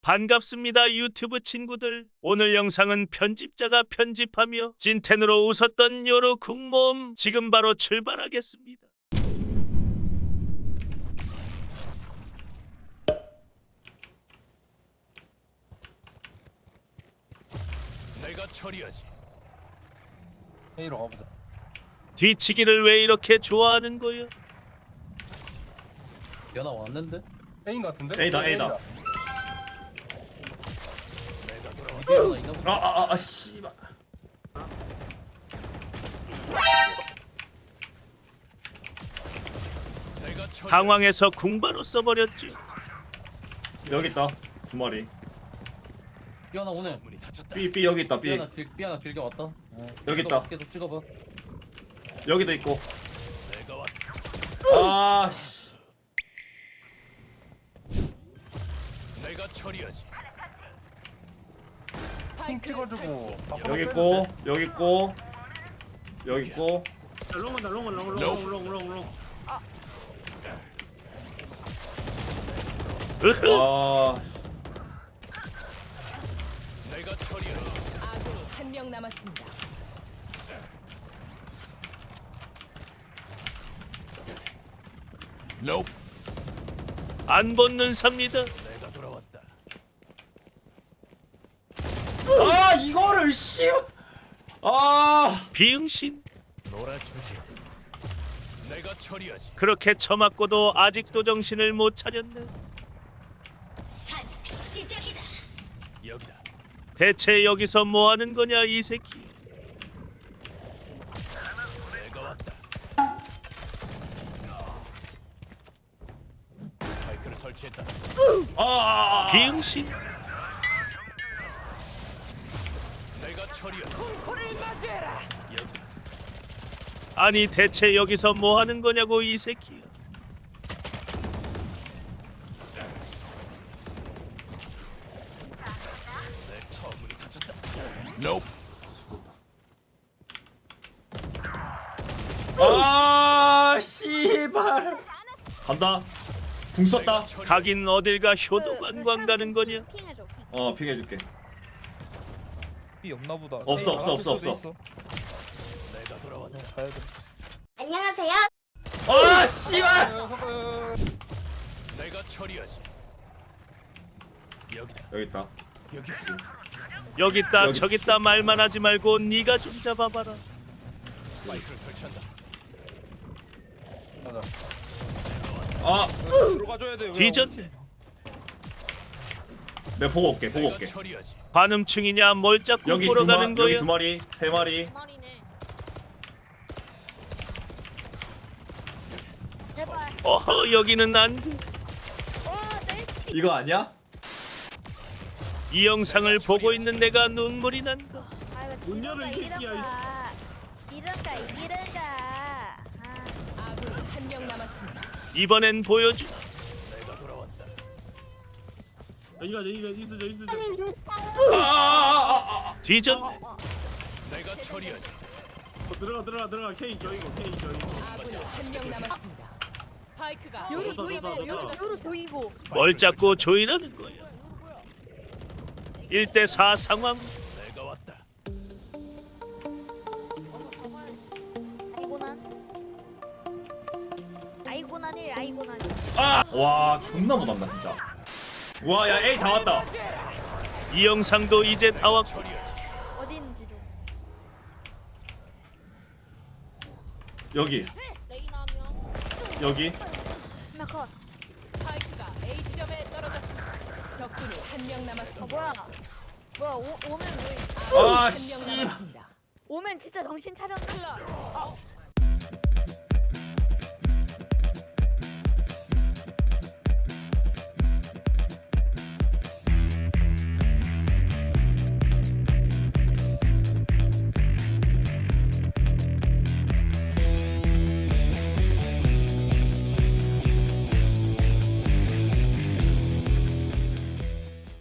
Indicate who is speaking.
Speaker 1: 반갑습니다 유튜브 친구들. 오늘 영상은 편집자가 편집하며 찐텐으로 웃었던 요로 국모음 지금 바로 출발하겠습니다.
Speaker 2: 내가 처리하지.
Speaker 3: A로 가보자.
Speaker 1: 뒤치기를 왜 이렇게 좋아하는 거야?
Speaker 4: 연아 왔는데?
Speaker 3: A인 것 같은데?
Speaker 5: A다.
Speaker 4: 연아 있나 보다.
Speaker 5: 씨발.
Speaker 2: 내가 처리.
Speaker 1: 당황해서 궁바로 써버렸지.
Speaker 5: 여기 있다. 두 마리.
Speaker 4: 연아 오늘.
Speaker 2: 문이 닫혔다.
Speaker 5: B 여기 있다. B
Speaker 4: 연아 길게 왔다.
Speaker 5: 여기 있다.
Speaker 4: 계속 찍어봐.
Speaker 5: 여기도 있고.
Speaker 2: 내가 왔다.
Speaker 5: 아, 씨.
Speaker 2: 내가 처리하지.
Speaker 3: 핑 찍어주고.
Speaker 5: 여기 있고. 여기 있고. 여기 있고.
Speaker 1: 으흐.
Speaker 5: 아,
Speaker 2: 내가 처리하지.
Speaker 6: 아군이 한 명 남았습니다.
Speaker 2: Nope.
Speaker 1: 안 벗는 삽니다.
Speaker 2: 내가 돌아왔다.
Speaker 5: 아 이거를 씨. 아,
Speaker 1: 비응신.
Speaker 2: 놀아주지. 내가 처리하지.
Speaker 1: 그렇게 처맞고도 아직도 정신을 못 차렸네.
Speaker 6: 산 시작이다.
Speaker 2: 여기다.
Speaker 1: 대체 여기서 뭐 하는 거냐 이 새끼.
Speaker 2: 내가 왔다. 마이크를 설치했다.
Speaker 1: 비응신.
Speaker 2: 내가 처리하지.
Speaker 6: 코를 맞이해라.
Speaker 2: 여기다.
Speaker 1: 아니 대체 여기서 뭐 하는 거냐고 이 새끼.
Speaker 2: 내 처음 문이 닫혔다. Nope.
Speaker 5: 아, 씨발. 간다. 궁 썼다.
Speaker 1: 가긴 어딜 가 효도 관광 가는 거냐.
Speaker 7: 핑해줘.
Speaker 5: 어, 핑해줄게.
Speaker 3: B 없나 보다.
Speaker 5: 없어,
Speaker 3: A
Speaker 5: 없어,
Speaker 3: 나갔을
Speaker 5: 없어,
Speaker 3: 수도
Speaker 2: 내가 돌아왔다.
Speaker 3: 있어. 가야 돼.
Speaker 7: 안녕하세요.
Speaker 5: 아, 씨발.
Speaker 2: 내가 처리하지. 여기다.
Speaker 5: 여기 있다.
Speaker 2: 여기.
Speaker 1: 여기 있다
Speaker 5: 여기.
Speaker 1: 저기 있다 말만 하지 말고 네가 좀 잡아봐라.
Speaker 2: 마이크를 설치한다.
Speaker 3: 가자.
Speaker 5: 아,
Speaker 3: 들어가줘야 돼. 왜
Speaker 1: 뒤졌네.
Speaker 5: 내가 보고 올게. 보고
Speaker 2: 내가
Speaker 5: 올게.
Speaker 2: 처리하지.
Speaker 1: 관음충이냐 뭘 자꾸
Speaker 5: 여기
Speaker 1: 보러
Speaker 5: 두
Speaker 1: 가는
Speaker 5: 마리,
Speaker 1: 거야.
Speaker 5: 여기 두 마리, 세 마리.
Speaker 7: 머리네. 제발.
Speaker 1: 어허 여기는 안 돼.
Speaker 7: 내
Speaker 5: 이거 아니야?
Speaker 1: 이 영상을 보고 있는 내가 눈물이 난다.
Speaker 7: 문 열어 이 새끼야. 이런가.
Speaker 6: 아군이 한 명 남았습니다.
Speaker 1: 이번엔 보여주.
Speaker 2: 내가 돌아왔다.
Speaker 1: 뒤졌네.
Speaker 2: 내가 처리하지.
Speaker 6: 아군이 한 명 남았습니다. 스파이크가
Speaker 7: 요로
Speaker 6: A
Speaker 7: 조이고.
Speaker 6: 지점에
Speaker 7: 요로
Speaker 6: 떨어졌습니다.
Speaker 7: 조이고.
Speaker 1: 뭘 자꾸 조이라는 거야. 1대4 상황.
Speaker 2: 내가 왔다.
Speaker 7: 아이고난 1 아이고난 1.
Speaker 5: 아, 와, 존나 못한다 진짜. 와, 야, A 다 왔다.
Speaker 1: 이 영상도 이제 다 왔고.
Speaker 2: 처리하지.
Speaker 7: 어디 있는지 좀.
Speaker 5: 여기,
Speaker 7: 레이나 한 명.
Speaker 5: 여기.
Speaker 7: 하나 컷.
Speaker 6: 스파이크가 A 지점에 떨어졌습니다. 적군이 한 명 남았습니다.
Speaker 7: 오면 왜?
Speaker 6: 아군이
Speaker 5: 아,
Speaker 6: 한
Speaker 5: 씨.
Speaker 6: 명 남았습니다.
Speaker 7: 오면 진짜 정신 차렸나?
Speaker 6: 클럽